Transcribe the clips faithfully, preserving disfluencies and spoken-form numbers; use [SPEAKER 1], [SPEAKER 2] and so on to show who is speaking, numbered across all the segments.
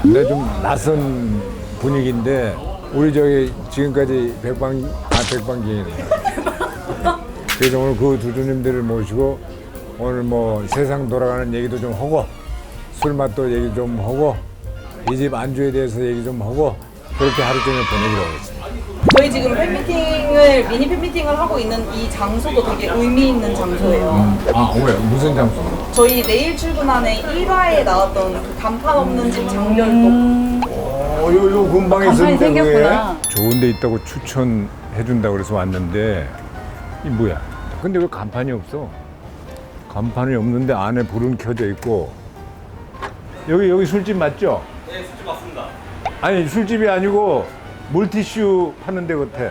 [SPEAKER 1] 근데 좀 낯선 분위기인데 우리 저기 지금까지 백방 아 백방기인 그래서 오늘 그 두두님들을 모시고 오늘 뭐 세상 돌아가는 얘기도 좀 하고 술 맛도 얘기 좀 하고 이 집 안주에 대해서 얘기 좀 하고 그렇게 하루 종일 보내기로 하겠습니다.
[SPEAKER 2] 저희 지금 팬미팅을 미니 팬미팅을 하고 있는 이 장소도 되게 의미 있는 장소예요.
[SPEAKER 1] 음. 아 왜? 무슨 장소?
[SPEAKER 2] 저희 내일 출근하는 일 화에 나왔던 그 간판 없는 집 장면도
[SPEAKER 1] 어, 요, 요 근방에
[SPEAKER 3] 간판이
[SPEAKER 1] 있었는데 그게
[SPEAKER 3] 생겼구나.
[SPEAKER 1] 좋은 데 있다고 추천해준다고 그래서 왔는데 이 뭐야? 근데 왜 간판이 없어? 간판이 없는데 안에 불은 켜져 있고 여기 여기 술집 맞죠?
[SPEAKER 4] 네, 술집 맞습니다.
[SPEAKER 1] 아니 술집이 아니고 물티슈 파는 데 같아.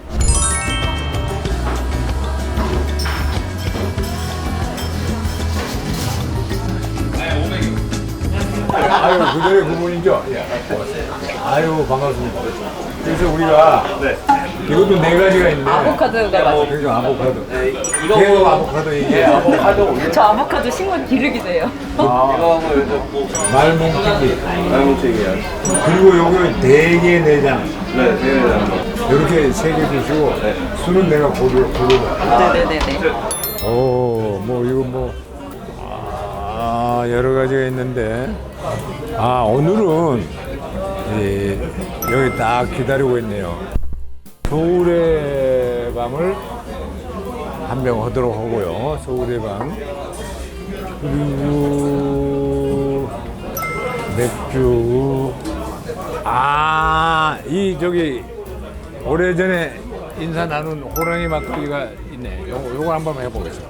[SPEAKER 1] 아유 그대의 그분이죠? 예. 아유 반갑습니다. 그래서 우리가
[SPEAKER 4] 네.
[SPEAKER 1] 이것도 네 가지가 있네.
[SPEAKER 3] 아보카도가 맛있어요.
[SPEAKER 1] 그러니까 아보카도.
[SPEAKER 4] 네,
[SPEAKER 1] 계속
[SPEAKER 4] 이거
[SPEAKER 1] 아보카도 얘기해.
[SPEAKER 4] 예, 아보카도 올려.
[SPEAKER 3] 저 아보카도 식물 기르기세요.
[SPEAKER 1] 아,
[SPEAKER 4] 이거 하고 요즘 뭐
[SPEAKER 1] 말뭉치기.
[SPEAKER 4] 말뭉치기야.
[SPEAKER 1] 그리고 여기 대게 내장.
[SPEAKER 4] 네, 대회장.
[SPEAKER 1] 이렇게 세 개 주시고 술은 내가 고르 고르고.
[SPEAKER 3] 네네네네.
[SPEAKER 1] 오, 뭐 이거 뭐 아, 여러 가지가 있는데 아 오늘은 이, 여기 딱 기다리고 있네요. 서울의 밤을 한 병 하도록 하고요. 서울의 밤 그리고 맥주 아 이 저기 오래전에 인사 나눈 호랑이 막걸리가 있네. 요거, 요거 한번 해보겠습니다.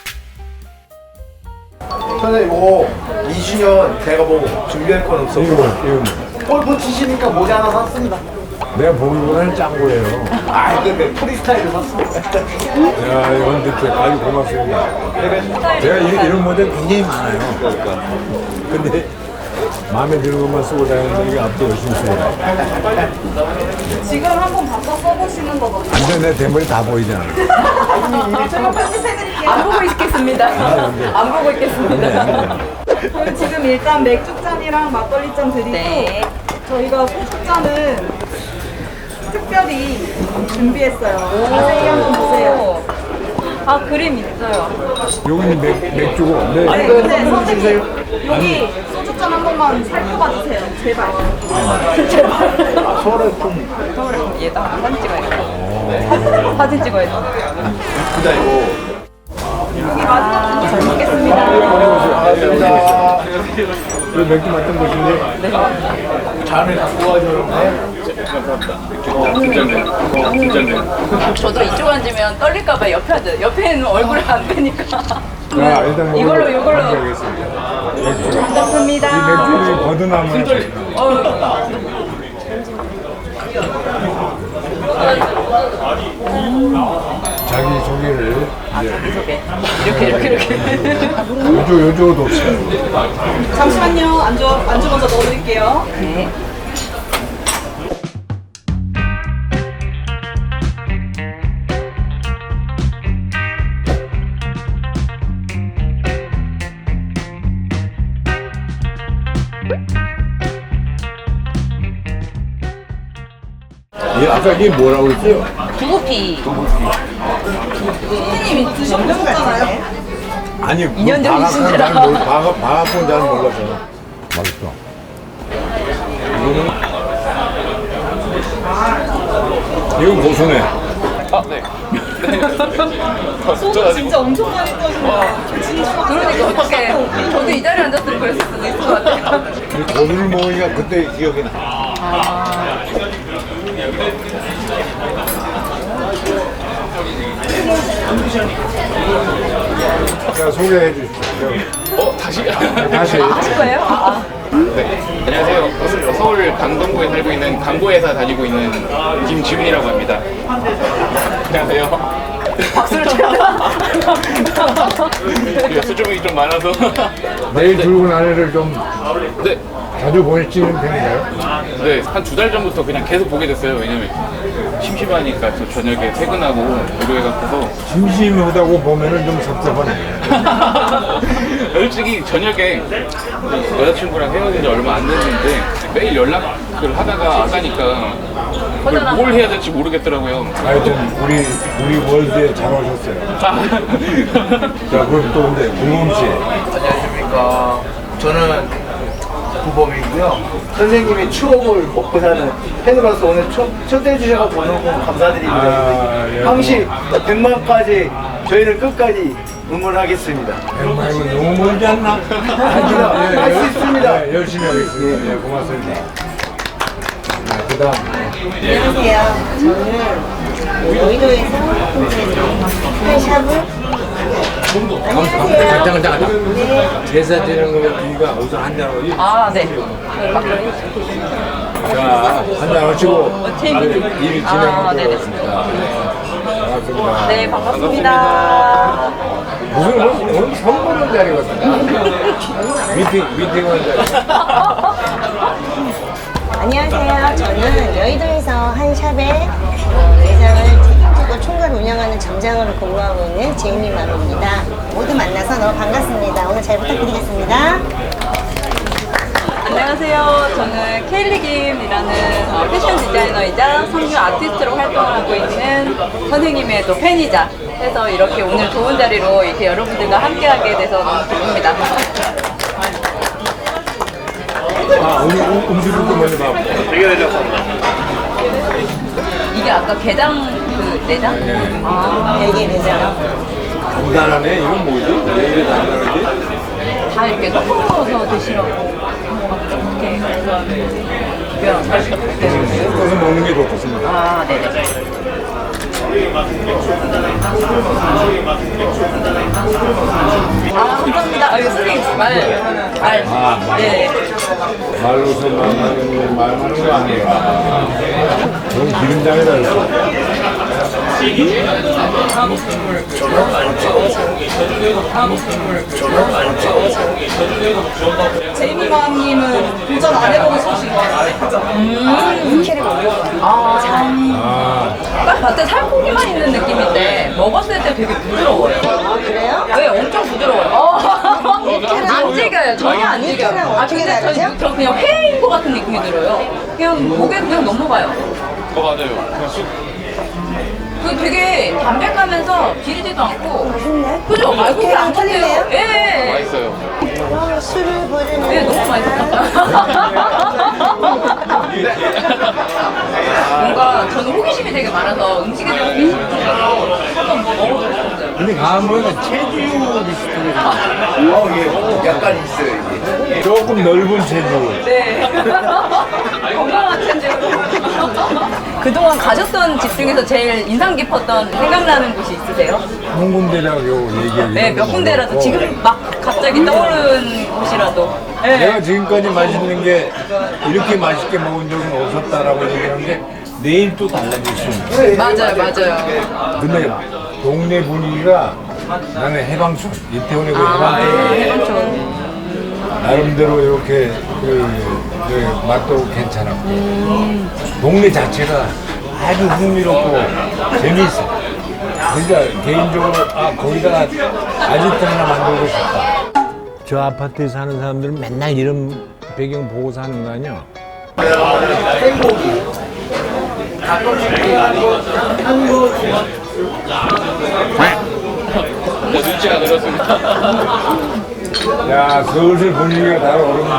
[SPEAKER 5] 선생님 뭐 이 주년 제가 뭐 준비할 건 없어.
[SPEAKER 1] 이거 뭐, 이거 뭐.
[SPEAKER 5] 골프 치시니까 모자 하나 샀습니다.
[SPEAKER 1] 내가 보기보다는 짠 거예요.
[SPEAKER 5] 아 근데 프리스타일을 샀습니다.
[SPEAKER 1] 야, 이건 대체 아주 고맙습니다. 제가 이, 이런 모델 굉장히 많아요. 근데 마음에 드는 것만 쓰고 다니는데 이게 앞도 열심히 쓰고
[SPEAKER 2] 지금 한번 바꿔 써보시는 거거든요.
[SPEAKER 1] 안 돼, 내 대머리 다 보이잖아.
[SPEAKER 2] 제가 편집해드릴게요.
[SPEAKER 3] 안 보고 있겠습니다. 안 보고 있겠습니다.
[SPEAKER 2] 저희 지금 일단 맥주잔이랑 막걸리잔 드리고
[SPEAKER 3] 네.
[SPEAKER 2] 저희가 소주잔은 특별히 준비했어요. 자세히 한번 보세요.
[SPEAKER 3] 아 그림 있어요.
[SPEAKER 1] 여기는 맥, 맥주고. 네.
[SPEAKER 2] 아니 근데 선생님 여기 소주잔 한 번만 살펴봐 주세요. 제발.
[SPEAKER 5] 서울에 좀
[SPEAKER 3] 얘다 사진 찍어야겠다. 사진 찍어야겠다.
[SPEAKER 5] 예쁘다 이거.
[SPEAKER 2] 여기 마지막 잘 먹겠습니다.
[SPEAKER 5] 감사합니다.
[SPEAKER 1] 이 맥주 맡은 곳인데.
[SPEAKER 5] 잔을 갖고 와주는데.
[SPEAKER 3] 저도 이쪽 앉으면 떨릴까봐 옆에 앉아요. 옆에는 얼굴 안 되니까.
[SPEAKER 1] 자, 일단
[SPEAKER 3] 이걸로 이걸로.
[SPEAKER 1] 하겠습니다. 맥주.
[SPEAKER 2] 반갑습니다.
[SPEAKER 1] 이 맥주를 거듭나무 했어요. 자기 소개를 이제
[SPEAKER 3] 소개. 이렇게 이렇게 이렇게.
[SPEAKER 1] 요조 요조도 없어요.
[SPEAKER 2] 잠시만요. 안주 안주 먼저 넣어드릴게요.
[SPEAKER 3] 네.
[SPEAKER 1] 이 아까 이게 뭐라고 했어요?
[SPEAKER 3] 두부피.
[SPEAKER 2] 선생님이 드셔보셨잖아요.
[SPEAKER 1] 아니
[SPEAKER 3] 이 년 전
[SPEAKER 1] 방학은
[SPEAKER 3] 이신지라.
[SPEAKER 1] 잘 몰라. 방학 방학은 잘 몰라서. 맛있어. 이거는 이건 고소네.
[SPEAKER 2] 소주 진짜 엄청 많이 떠시네요.
[SPEAKER 3] 그러니까 어떻게 저도 이 자리에 앉았으면 그랬을 수도 있을 것 같아요.
[SPEAKER 1] 이 고기를 먹으니까 그때 기억이 나. 자 소개해 주십시오.
[SPEAKER 4] 어, 다시?
[SPEAKER 1] 다시.
[SPEAKER 3] 하실 거예요? 아,
[SPEAKER 4] 네. 안녕하세요. 서울, 서울 강동구에 살고 있는 광고회사 다니고 있는 김지훈이라고 합니다. 안녕하세요.
[SPEAKER 3] 박수를 쳐요.
[SPEAKER 4] 수줍음이 좀 좀 많아서.
[SPEAKER 1] 내일 들고 나래를 좀
[SPEAKER 4] 네,
[SPEAKER 1] 자주 보내시는 편인가요?
[SPEAKER 4] 네, 한 두 달 전부터 그냥 계속 보게 됐어요. 왜냐면 심심하니까 저 저녁에 퇴근하고 무료회 같아서.
[SPEAKER 1] 심심하다고 보면은 좀 섭섭하네.
[SPEAKER 4] 솔직히 저녁에 여자친구랑 헤어진 지 얼마 안 됐는데 매일 연락을 하다가 아까니까 그걸 뭘 해야 될지 모르겠더라고요.
[SPEAKER 1] 하여튼 우리 우리 월드에 잘 오셨어요. 자 그럼 또 근데 구몬 씨.
[SPEAKER 5] 안녕하십니까. 저는 구범이고요. 선생님이 추억을 먹고 사는 팬으로서 오늘 초, 초대해 주셔서 너무 감사드립니다.
[SPEAKER 1] 아, 예.
[SPEAKER 5] 항시 백만까지 저희를 끝까지 응원하겠습니다.
[SPEAKER 1] 백만이면 너무 멀지 않나?
[SPEAKER 5] 예, 할수 있습니다.
[SPEAKER 1] 예, 열심히 하겠습니다. 예, 고맙습니다. 네, 그다음
[SPEAKER 6] 안녕하세요. 저는 여의도에서 한 샵을 안녕하세요.
[SPEAKER 1] 잠깐 잠깐 제사 지내는 거면 우리가 우선 한잔 하고
[SPEAKER 3] 아, 네.
[SPEAKER 1] 자 한잔 하시고
[SPEAKER 3] 재밌-
[SPEAKER 1] 일
[SPEAKER 3] 아,
[SPEAKER 1] 진행하도록
[SPEAKER 3] 네네.
[SPEAKER 1] 하겠습니다. 반갑습니다.
[SPEAKER 3] 네, 반갑습니다.
[SPEAKER 1] 무슨 오늘, 오늘 선물은 자리거든요. 미팅 미팅은 자리.
[SPEAKER 6] 안녕하세요. 저는 여의도에서 한 샵에 어, 매장을 책임지고 총괄 운영하는 점장으로 근무하고 있는 제이미 마루입니다. 모두 만나서 너무 반갑습니다. 오늘 잘 부탁드리겠습니다.
[SPEAKER 3] 안녕하세요. 저는 케일리 김이라는 어, 패션 디자이너이자 성교 아티스트로 활동을 하고 있는 선생님의 또 팬이자 해서 이렇게 오늘 좋은 자리로 이렇게 여러분들과 함께하게 돼서 너무 기쁩니다.
[SPEAKER 1] 아 오늘 음- 음식을 또 먼저 봐.
[SPEAKER 3] 이게 아까 게장 그 내장? 아,
[SPEAKER 6] 별개 매장.
[SPEAKER 1] 간단하네. 이건 뭐지? 왜 이래 간단하지?
[SPEAKER 3] 다 이렇게 섞어서 드시라고 이렇게 이렇게
[SPEAKER 1] 섞어서 먹는 게 좋겠습니다.
[SPEAKER 3] 아, 네네. 아, 감사합니다. 아, 이거 선생님 말, 말.
[SPEAKER 1] 아,
[SPEAKER 3] 네.
[SPEAKER 1] 말로서 말하는 말 하는 거 아니야. 그럼 기름장에다 넣어.
[SPEAKER 2] 제이미맘님은 도전 안 해보고 소식
[SPEAKER 1] 아,
[SPEAKER 3] 딱 봤을 때 살코기만 있는 느낌인데 먹었을 때 되게 부드러워요.
[SPEAKER 6] 아, 그래요?
[SPEAKER 3] 네, 엄청 부드러워요. 어. 안 질겨요. 전혀 안 질겨요.
[SPEAKER 6] 육회랑
[SPEAKER 3] 아,
[SPEAKER 6] 어떻게
[SPEAKER 3] 근데
[SPEAKER 6] 다르죠?
[SPEAKER 3] 저, 저 그냥 회인 것 같은 느낌이 들어요. 그냥 목에 그냥 넘어가요.
[SPEAKER 4] 어, 맞아요. 그냥 쑥.
[SPEAKER 3] 그 되게 담백하면서 비리지도 않고.
[SPEAKER 6] 맛있네.
[SPEAKER 3] 그죠? 말고 그게 안
[SPEAKER 6] 틀리네요.
[SPEAKER 3] 틀려요. 예.
[SPEAKER 4] 맛있어요.
[SPEAKER 6] 어, 술을 부르는.
[SPEAKER 3] 네, 너무 맛있었어요. 뭔가 저는 호기심이 되게 많아서 음식에 대한 호기심이 많아서 한번 먹어보고 싶었어요.
[SPEAKER 1] 근데 가면 체주 비슷하게
[SPEAKER 5] 어, 예. 약간 있어요, 이게.
[SPEAKER 1] 조금 넓은 체주.
[SPEAKER 3] 네. 건강한 체질로. 그동안 가셨던 집 중에서 제일 인상 깊었던 생각나는 곳이 있으세요?
[SPEAKER 1] 한 군데라고 얘기하기.
[SPEAKER 3] 네, 몇 군데라도 지금 막 갑자기 떠오르는 곳이라도. 네.
[SPEAKER 1] 내가 지금까지 맛있는 게 이렇게 맛있게 먹은 적은 없었다라고 얘기한 게 내일 또 달라질 수 있는.
[SPEAKER 3] 맞아요, 맞아요.
[SPEAKER 1] 근데 동네 분위기가 나는 해방촌 이태원의 그
[SPEAKER 3] 아,
[SPEAKER 1] 해방촌
[SPEAKER 3] 해방촌.
[SPEAKER 1] 나름대로 이렇게 그, 그 맛도 괜찮았고 동네 자체가 아주 흥미롭고 재미있어. 그러니까 개인적으로 아 거기다가 아지트 하나 만들고 싶다. 저 아파트에 사는 사람들은 맨날 이런 배경 보고 사는 거 아니야?
[SPEAKER 5] 생고기.
[SPEAKER 4] 진짜 눈치가 늘었습니다.
[SPEAKER 1] 야 슬슬 분위기가 달아오릅니다.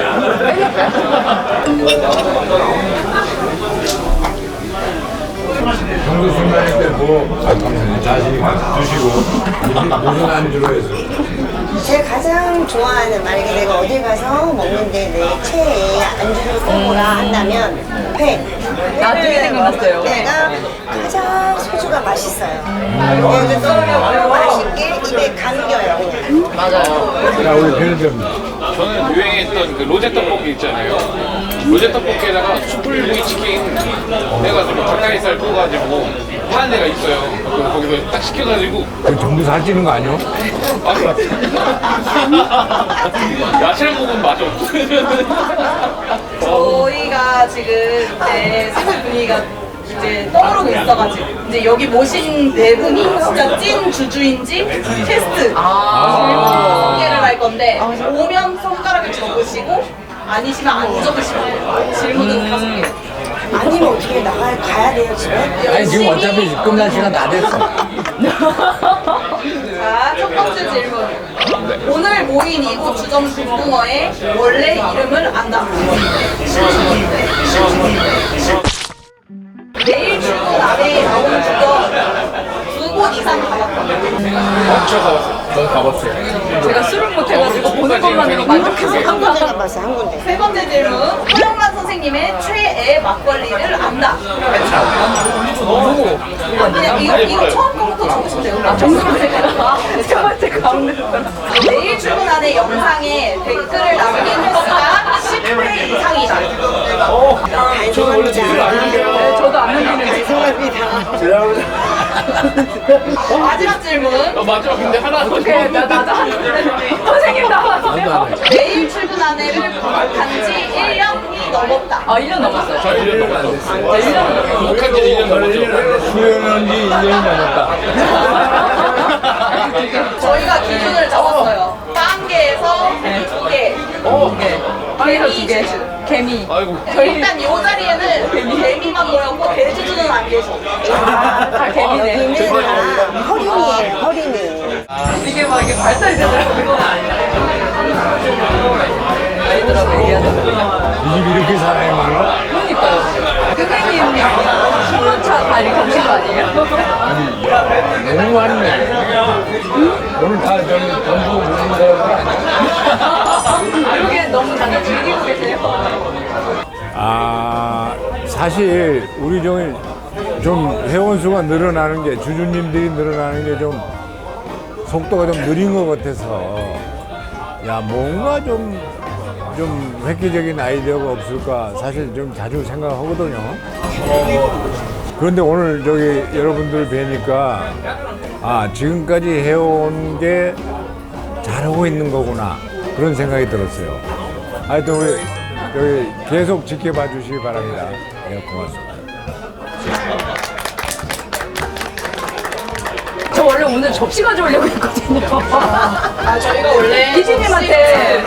[SPEAKER 1] 평소 술 마실 때뭐 아, 감사합니다. 자신이 드시고 무슨, 무슨 안주로 해서
[SPEAKER 6] 제가 가장 좋아하는, 만약에 내가 어딜 가서 먹는데 내 최애 안주를 꼽으라 한다면 회.
[SPEAKER 3] 나중에 생각났어요.
[SPEAKER 6] 내가 가장 소주가 맛있어요. 그래서 너무 맛있게 입에 감겨요.
[SPEAKER 3] 맞아요.
[SPEAKER 1] 자 우리 편의점
[SPEAKER 4] 저는 저는 유행했던 그 로제 떡볶이 있잖아요. 로제 떡볶이에다가 숯불구이 치킨 해가지고 닭다리살 구워가지고 파는 데가 있어요. 그래서 거기서 딱 시켜가지고
[SPEAKER 1] 그 전부 살찌는 거 아니야?
[SPEAKER 4] 아니 야채를 먹으면 맛이 없어.
[SPEAKER 2] 저희가 지금 이제 생활 분위기가 이제 떠오르고 있어가지고 이제 여기 모신 네 분이 진짜 찐 주주인지 테스트 질문 소개를 할 건데 오면 손가락을 접으시고 아니시면 안 접으시면 돼요. 질문은 다섯 개.
[SPEAKER 6] 아니면 어떻게 나가 가야 돼요 집에?
[SPEAKER 1] 아니 지금 어차피 끝날 시간 다 됐어.
[SPEAKER 2] 자, 첫 번째 질문. 오늘 모인 이곳 주점 금붕어의 원래 이름을 안다. 내일 출근 안에 나오는 주점 두 곳 이상 가봤다.
[SPEAKER 4] 엄청 가봤어요. 저는 가봤어요.
[SPEAKER 3] 제가 술을 못해가지고 보는 것만으로 만족해서
[SPEAKER 6] 한 군데 가봤어요 한 군데.
[SPEAKER 2] 세 번째 질문. 허영만 선생님의 최애 막걸리를 안다. 그냥 이거, 이거 처음 거부터 적으시면 돼요.
[SPEAKER 3] 아, 정수로 생각나. 첫 번째 가운데
[SPEAKER 2] 내일 출근 안에 영상에 댓글을 남긴 횟수가 십 회 이상이다.
[SPEAKER 4] 저는 원래 제일 안 남겨요.
[SPEAKER 3] 네, 저도 안 남기는
[SPEAKER 6] 죄송합니다.
[SPEAKER 2] 마지막 질문.
[SPEAKER 4] 어, 맞아. 근데 하나 더
[SPEAKER 3] 어떻게 나 나도 하는데 선생님 나와주세요.
[SPEAKER 2] 내일 출근 안에를 구독한 지 일 년이 넘었다.
[SPEAKER 3] 아 일 년 넘었어요.
[SPEAKER 4] 저 일 년 안 됐어요.
[SPEAKER 3] 네, 일 년 넘었어요.
[SPEAKER 4] 구독한 지 일 년 넘었죠.
[SPEAKER 1] 수련한 지 일 년이 넘었다.
[SPEAKER 2] 저희가 기준을 잡았어요. 빵개에서 두 개.
[SPEAKER 3] 네. 빵에서 두 개. 개미.
[SPEAKER 4] 아이고.
[SPEAKER 2] 일단 이 자리에는 개미만 모였고 대주주는 안 계셔.
[SPEAKER 3] 아, 다 개미네.
[SPEAKER 6] 여기는 다 허린이에요 허린이.
[SPEAKER 3] 이게 막 이게 발달이 되더라고요. 아이들하고 얘기하잖아요.
[SPEAKER 1] 이 집 이렇게 사람이 많아?
[SPEAKER 3] 그러니까요. 선생님 신문차 다 이렇게 오신 거 아니에요?
[SPEAKER 1] 너무 많네. 오늘 다 저기 전부 모르는 사람들 아니야?
[SPEAKER 3] 그러게 너무 다들 즐기고 계세요.
[SPEAKER 1] 아 사실 우리 저기 좀 회원 수가 늘어나는 게 주주님들이 늘어나는 게 좀 속도가 좀 느린 것 같아서 야 뭔가 좀 좀 획기적인 아이디어가 없을까 사실 좀 자주 생각하거든요. 그런데 오늘 저기 여러분들 뵈니까 아 지금까지 해온 게 잘하고 있는 거구나 그런 생각이 들었어요. 하여튼 우리 여기 계속 지켜봐 주시기 바랍니다. 네, 고맙습니다.
[SPEAKER 3] 저 원래 오늘 접시 가져오려고 했거든요.
[SPEAKER 2] 아, 저희가 원래
[SPEAKER 3] 피디님한테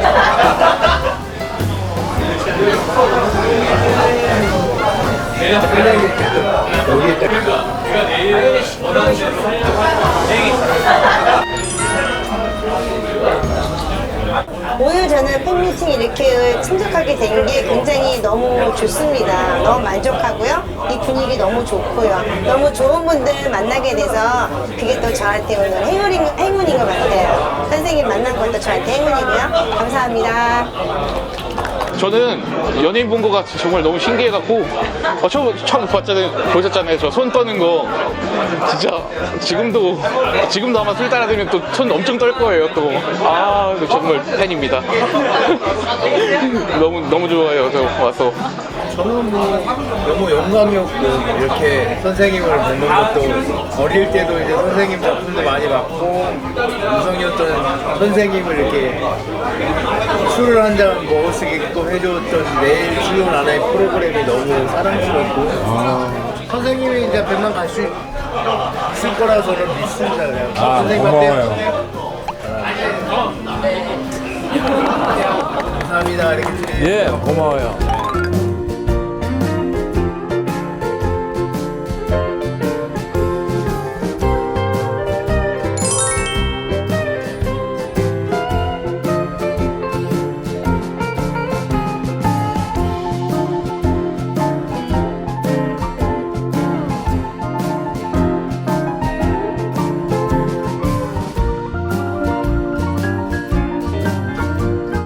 [SPEAKER 6] 오늘 저는 팬미팅 이렇게 참석하게 된 게 굉장히 너무 좋습니다. 너무 만족하고요. 이 분위기 너무 좋고요. 너무 좋은 분들 만나게 돼서 그게 또 저한테 오늘 행운인, 행운인 것 같아요. 선생님 만난 것도 저한테 행운이고요. 감사합니다.
[SPEAKER 4] 저는 연예인 본 거가 정말 너무 신기해갖고 어, 처음, 처음 봤잖아요. 보셨잖아요. 저 손 떠는 거 진짜 지금도 지금도 아마 술 따라들면 또 손 엄청 떨 거예요. 또 아 정말 팬입니다. 너무 너무 좋아요. 저 와서
[SPEAKER 5] 저는 뭐 너무 영광이었고 이렇게 선생님을 뵙는 것도 어릴 때도 이제 선생님 작품도 많이 봤고 우성이었던 선생님을 이렇게 술을 한 잔 먹을 수 있게끔 해줬던 내일 출근 안에 프로그램이 너무 사랑스럽고 선생님이 이제 백만 갈 수 있을 거라 저는 믿습니다. 그냥
[SPEAKER 1] 아,
[SPEAKER 5] 선생님한테
[SPEAKER 1] 고마워요.
[SPEAKER 5] 감사합니다. 이렇게
[SPEAKER 1] 예, 고마워요.